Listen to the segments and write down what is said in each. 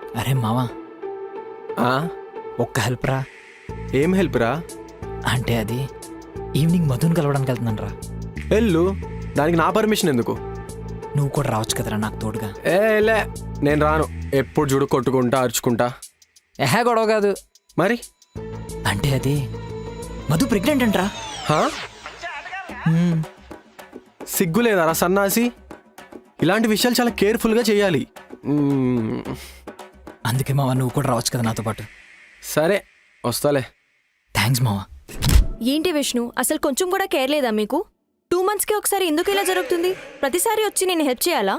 అరే మావా, ఆ? ఒక్క హెల్ప్ రా. ఏం హెల్ప్ రా? అంటే అది ఈవినింగ్ మధుని కలవడానికి వెళ్తున్నాను రా. వెళ్ళు, దానికి నా పర్మిషన్ ఎందుకు? నువ్వు కూడా రావచ్చు కదరా నాకు తోడుగా. లే, నేను రాను. ఎప్పుడు చూడు కొట్టుకుంటా అరుచుకుంటా. గొడవ కాదు మరి. అంటే అది మధు ప్రెగ్నెంట్ అంటరా. హా? సిగ్గు లేదారా సన్నాసి? ఇలాంటి విషయాలు చాలా కేర్ఫుల్గా చేయాలి. అందుకే మావా నువ్వు కూడా రావచ్చు కదా నాతో పాటు. సరే వస్తాలే. థ్యాంక్స్ మావా. ఏంటి విష్ణు, అసలు కొంచెం కూడా కేర్ లేదా మీకు? 2 monthsకి ఒకసారి ఎందుకు ఇలా జరుగుతుంది? ప్రతిసారి వచ్చి నేను హెల్ప్ చేయాలా?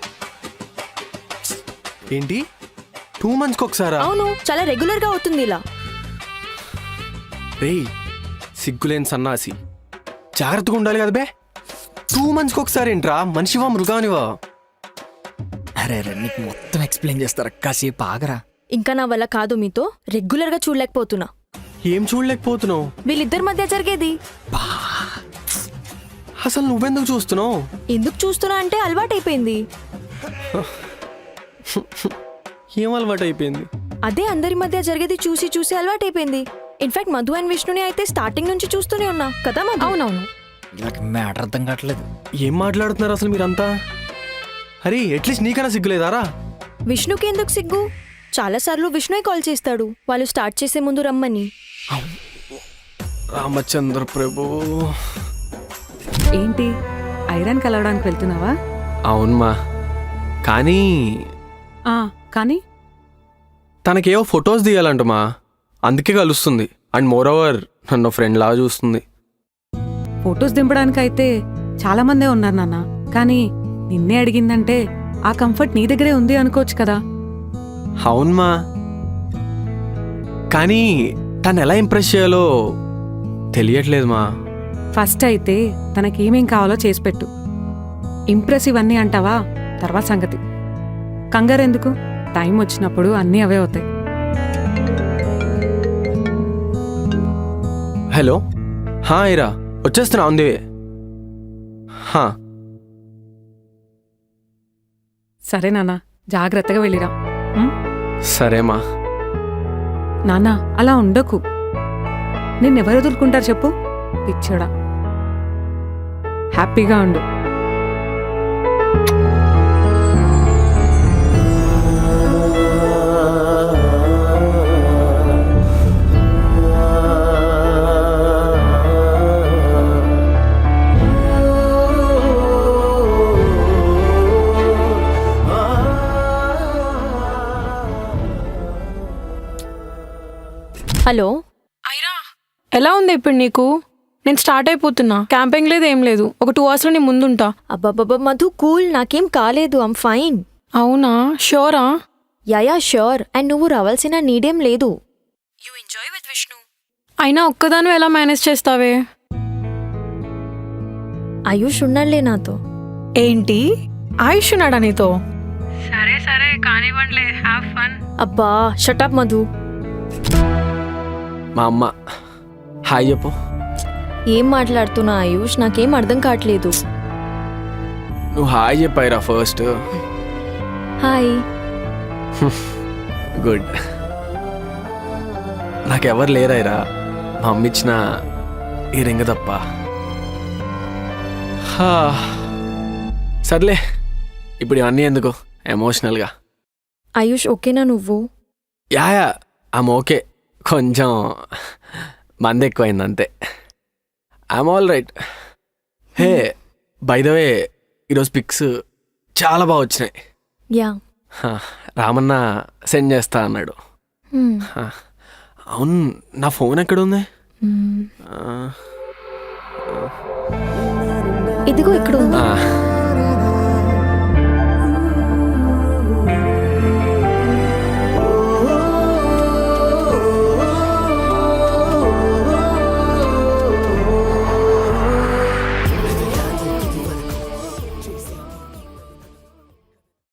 ఏంటి 2 monthsకి ఒకసారా? అవును, చాలా రెగ్యులర్గా అవుతుంది ఇలా. రేయ్, సిగ్గులేని సన్నాసి, జాగ్రత్తగా ఉండాలి కదా బే. 2 monthsకి ఒకసారి ఏంట్రా? మనిషివా మృగానివా? అరే అరే, నీకు మొత్తం ఎక్స్ప్లెయిన్ చేస్తారా, కాసేపు ఆగరా. ఇంకా నా వల్ల కాదు, మీతో రెగ్యులర్గా చూడలేకపోతున్నా. ఏం చూడలేకపోతున్నావు? వీళ్ళిద్దరి మధ్య జరిగేది. అసలు నువ్వెందుకు చూస్తున్నావు? ఎందుకు చూస్తున్నా అంటే అలవాటైపోయింది. ఏం అలవాటు అయిపోయింది? అదే అందరి మధ్య జరిగేది చూసి చూసి అలవాటైపోయింది. ఇన్ఫాక్ట్ మధు అండ్ విష్ణుని అయితే స్టార్టింగ్ నుంచి చూస్తూనే ఉన్నా కదా మధు? అవునవును. నాకు మ్యాటర్ అర్థం కావట్లేదు. ఏం మాట్లాడుతున్నారు అసలు మీరంతా? అరే అట్లీస్ట్ నీకన్నా సిగ్గులేదారా? విష్ణుకి ఎందుకు సిగ్గు? చాలాసార్లు విష్ణుయే కాల్ చేస్తాడు వాళ్ళు స్టార్ట్ చేసే ముందు రమ్మని. రామచంద్ర ప్రభు. ఏంటి, ఐరన్ కలవడానికి వెళ్తున్నావా? అవునమ్మా, కానీ కానీ తనకేవో ఫొటోస్ తీయాలంటమా, అందుకే కలుస్తుంది. అండ్ మోర్ ఓవర్ నన్ను ఫ్రెండ్ లాగా చూస్తుంది. ఫొటోస్ దింపడానికైతే చాలా మందే ఉన్నారు నాన్న, కానీ నిన్నే అడిగిందంటే ఆ కంఫర్ట్ నీ దగ్గరే ఉంది అనుకోవచ్చు కదా. అవునమ్మా, కానీ తను ఎలా ఇంప్రెస్ చేయాలో తెలియట్లేదు మా. ఫస్ట్ అయితే తనకేమేం కావాలో చేసి పెట్టు. ఇంప్రెసివ్ అన్నీ అంటావా, తర్వాత సంగతి. కంగారు ఎందుకు, టైం వచ్చినప్పుడు అన్నీ అవే అవుతాయి. హలో, ఇరా వచ్చేస్తున్నా, ఉంది. సరే నాన్న, జాగ్రత్తగా వెళ్ళిరా. సరేమా. నాన్న అలా ఉండకు, నిన్నెవరు వదులుకుంటారు చెప్పు, పిచ్చోడా. హ్యాపీగా ఉండు. హలో, ఎలా ఉంది ఇప్పుడు నీకు? నేను స్టార్ట్ అయిపోతున్నా, క్యాంపింగ్ లేదు ఏం లేదు. ఒక 2 hours నీ ముందుంటా. అబ్బాబ్బా మధు కూల్, నాకేం కాలేదు, ఐమ్ ఫైన్. అవునా? షూరా? Yeah sure. అండ్ నువ్వు రావాల్సిన నీడేం లేదు. You enjoy with Vishnu. అయినా ఒక్కదాను ఎలా మేనేజ్ చేస్తావే? ఆయుష్ ఉన్నాడులే నాతో. ఏంటి, ఆయుష్ ఉన్నాడా నీతో? సరే సరే కానివ్వండిలే, హ్యావ్ ఫన్. అబ్బా షటప్ మధు. మా అమ్మ హాయ్ చెప్పు. ఏం మాట్లాడుతున్నా ఆయుష్, నాకేం అర్థం కావట్లేదు. నువ్వు హాయ్ చెప్పాయిరా ఫస్ట్. హాయ్. గుడ్. నాకెవరు లేరాయిరా, మా అమ్మ ఇచ్చిన ఈ రింగ తప్ప. సర్లే, ఇప్పుడు ఇవన్నీ ఎందుకు ఎమోషనల్గా. ఆయుష్ ఓకేనా నువ్వు? Yeah I'm okay. కొంచెం మంది ఎక్కువైంది అంతే. I'm all right. Hey by the way, ఈరోజు పిక్స్ చాలా బాగా వచ్చినాయి. యా, రామన్న సెండ్ చేస్తా అన్నాడు. అవును, నా ఫోన్ ఎక్కడుంది? ఇదిగో ఇక్కడ ఉంది.